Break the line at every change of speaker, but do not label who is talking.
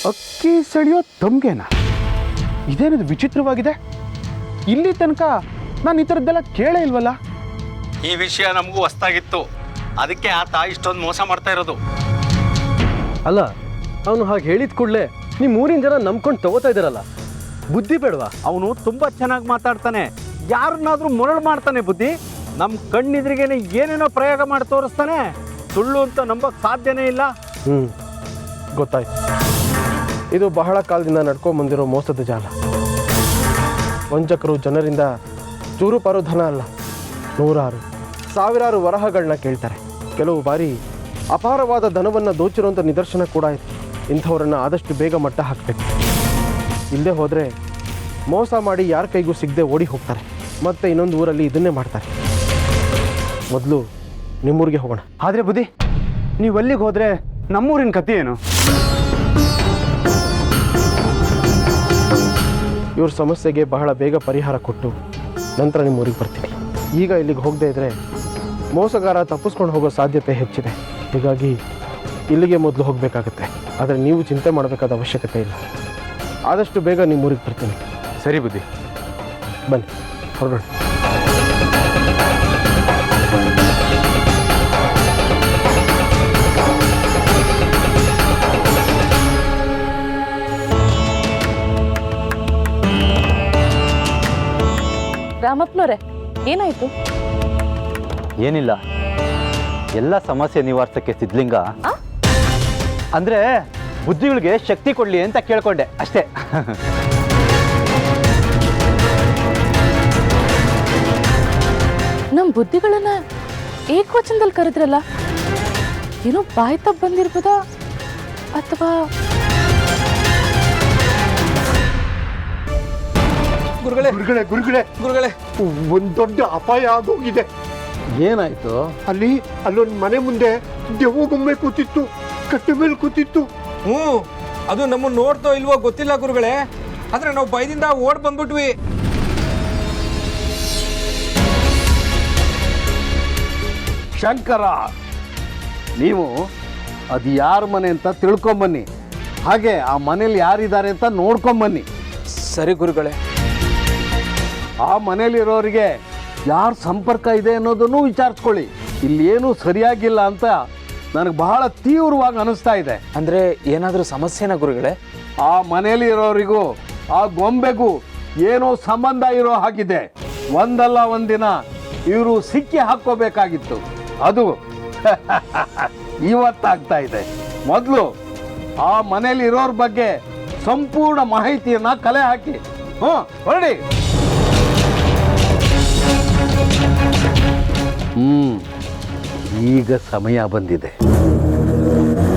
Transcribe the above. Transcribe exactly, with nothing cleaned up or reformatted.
ಅಕ್ಕಿ ಸೆಳೆಯೋ ತಮ್ಗೆನ? ಇದೇನದು ವಿಚಿತ್ರವಾಗಿದೆ. ಇಲ್ಲಿ ತನಕ ನಾನು ಈ ಥರದ್ದೆಲ್ಲ ಕೇಳೇ ಇಲ್ವಲ್ಲ.
ಈ ವಿಷಯ ನಮಗೂ ಹೊಸ್ತಾಗಿತ್ತು, ಅದಕ್ಕೆ ಆತ ಇಷ್ಟೊಂದು ಮೋಸ ಮಾಡ್ತಾ ಇರೋದು.
ಅಲ್ಲ, ಅವನು ಹಾಗೆ ಹೇಳಿದ ಕೂಡಲೇ ನಿಮ್ಮ ಊರಿನ ಜನ ನಂಬ್ಕೊಂಡು ತಗೋತಾ ಇದ್ದಾರಲ್ಲ, ಬುದ್ಧಿ ಬೇಡವಾ?
ಅವನು ತುಂಬ ಚೆನ್ನಾಗಿ ಮಾತಾಡ್ತಾನೆ, ಯಾರನ್ನಾದ್ರೂ ಮರಳು ಮಾಡ್ತಾನೆ ಬುದ್ಧಿ. ನಮ್ಮ ಕಣ್ಣೆದ್ರಿಗೇನೆ ಏನೇನೋ ಪ್ರಯೋಗ ಮಾಡಿ ತೋರಿಸ್ತಾನೆ. ಸುಳ್ಳು ಅಂತ ನಂಬಕ್ಕೆ ಸಾಧ್ಯನೇ ಇಲ್ಲ.
ಹ್ಞೂ ಗೊತ್ತಾಯ್ತು. ಇದು ಬಹಳ ಕಾಲದಿಂದ ನಡ್ಕೊಂಡು ಬಂದಿರೋ ಮೋಸದ ಜಾಲ. ವಂಚಕರು ಜನರಿಂದ ಚೂರು ಪಾರು ಧನ ಅಲ್ಲ, ನೂರಾರು ಸಾವಿರಾರು ವರಹಗಳನ್ನ ಕೇಳ್ತಾರೆ. ಕೆಲವು ಬಾರಿ ಅಪಾರವಾದ ಧನವನ್ನು ದೋಚಿರುವಂಥ ನಿದರ್ಶನ ಕೂಡ ಇದೆ. ಇಂಥವ್ರನ್ನ ಆದಷ್ಟು ಬೇಗ ಮಟ್ಟ ಹಾಕಬೇಕು. ಇಲ್ಲದೆ ಹೋದರೆ ಮೋಸ ಮಾಡಿ ಯಾರ ಕೈಗೂ ಸಿಗದೆ ಓಡಿ ಹೋಗ್ತಾರೆ. ಮತ್ತೆ ಇನ್ನೊಂದು ಊರಲ್ಲಿ ಇದನ್ನೇ ಮಾಡ್ತಾರೆ. ಮೊದಲು ನಿಮ್ಮೂರಿಗೆ ಹೋಗೋಣ.
ಆದರೆ ಬುದ್ಧಿ, ನೀವು ಅಲ್ಲಿಗೆ ಹೋದರೆ ನಮ್ಮೂರಿನ ಕಥೆ ಏನು?
ಇವ್ರ ಸಮಸ್ಯೆಗೆ ಬಹಳ ಬೇಗ ಪರಿಹಾರ ಕೊಟ್ಟು ನಂತರ ನಿಮ್ಮ ಊರಿಗೆ ಬರ್ತೀನಿ. ಈಗ ಇಲ್ಲಿಗೆ ಹೋಗದೇ ಇದ್ದರೆ ಮೋಸಗಾರ ತಪ್ಪಿಸ್ಕೊಂಡು ಹೋಗೋ ಸಾಧ್ಯತೆ ಹೆಚ್ಚಿದೆ. ಹೀಗಾಗಿ ಇಲ್ಲಿಗೆ ಮೊದಲು ಹೋಗಬೇಕಾಗತ್ತೆ. ಆದರೆ ನೀವು ಚಿಂತೆ ಮಾಡಬೇಕಾದ ಅವಶ್ಯಕತೆ ಇಲ್ಲ. ಆದಷ್ಟು ಬೇಗ ನಿಮ್ಮ ಊರಿಗೆ ಬರ್ತೀನಿ.
ಸರಿ ಬುದ್ಧಿ,
ಬನ್ನಿ ಹೊರಡೋಣ.
ರಾಮಪ್ಪನವ್ರೆ, ಏನಾಯ್ತು?
ಏನಿಲ್ಲ, ಎಲ್ಲ ಸಮಸ್ಯೆ ನಿವಾರಿಸಕ್ಕೆ ಸಿದ್ಲಿಂಗ ಅಂದ್ರೆ ಬುದ್ಧಿಗಳಿಗೆ ಶಕ್ತಿ ಕೊಡ್ಲಿ ಅಂತ ಕೇಳ್ಕೊಂಡೆ ಅಷ್ಟೇ.
ನಮ್ಮ ಬುದ್ಧಿಗಳನ್ನ ಏಕವಚನದಲ್ಲಿ ಕರೆದ್ರಲ್ಲ, ಏನೋ ಬಾಯಿ ತಪ್ಪ ಬಂದಿರ್ಬೋದಾ ಅಥವಾ?
ಗುರುಗಳೇ
ಗುರುಗಳೇ ಗುರುಗಳೇ
ಗುರುಗಳೇ
ಒಂದು ದೊಡ್ಡ ಅಪಾಯ ಆಗೋಗಿದೆ.
ಏನಾಯಿತು?
ಅಲ್ಲಿ ಅಲ್ಲೊಂದು ಮನೆ ಮುಂದೆ ದೆವ್ವ ಗೊಂಬೆ ಕೂತಿತ್ತು, ಕಟ್ಟೆ ಮೇಲೆ ಕೂತಿತ್ತು.
ಹ್ಞೂ, ಅದು ನಮ್ಮನ್ನು ನೋಡ್ತೋ ಇಲ್ವೋ ಗೊತ್ತಿಲ್ಲ ಗುರುಗಳೇ, ಆದ್ರೆ ನಾವು ಭಯದಿಂದ ಓಡ್ ಬಂದ್ಬಿಟ್ವಿ.
ಶಂಕರ, ನೀವು ಅದು ಯಾರ ಮನೆ ಅಂತ ತಿಳ್ಕೊಂಬನ್ನಿ. ಹಾಗೆ ಆ ಮನೇಲಿ ಯಾರಿದ್ದಾರೆ ಅಂತ ನೋಡ್ಕೊಂಬನ್ನಿ.
ಸರಿ ಗುರುಗಳೇ.
ಆ ಮನೇಲಿರೋರಿಗೆ ಯಾರ ಸಂಪರ್ಕ ಇದೆ ಅನ್ನೋದನ್ನು ವಿಚಾರಿಸ್ಕೊಳ್ಳಿ. ಇಲ್ಲಿ ಏನೂ ಸರಿಯಾಗಿಲ್ಲ ಅಂತ ನನಗೆ ಬಹಳ ತೀವ್ರವಾಗಿ ಅನಿಸ್ತಾ ಇದೆ.
ಅಂದ್ರೆ ಏನಾದರೂ ಸಮಸ್ಯೆನಾ ಗುರುಗಳೇ?
ಆ ಮನೇಲಿ ಇರೋರಿಗೂ ಆ ಗೊಂಬೆಗೂ ಏನೋ ಸಂಬಂಧ ಇರೋ ಹಾಗಿದೆ. ಒಂದಲ್ಲ ಒಂದಿನ ಇವರು ಸಿಕ್ಕಿ ಹಾಕ್ಕೋಬೇಕಾಗಿತ್ತು. ಅದು ಇವತ್ತಾಗ್ತಾ ಇದೆ. ಮೊದಲು ಆ ಮನೇಲಿ ಇರೋರ ಬಗ್ಗೆ ಸಂಪೂರ್ಣ ಮಾಹಿತಿಯನ್ನ ಕಲೆ ಹಾಕಿ. ಹ್ಞೂ ಹೊರಡಿ. ಹ್ಮ್ ಈಗ ಸಮಯ ಬಂದಿದೆ.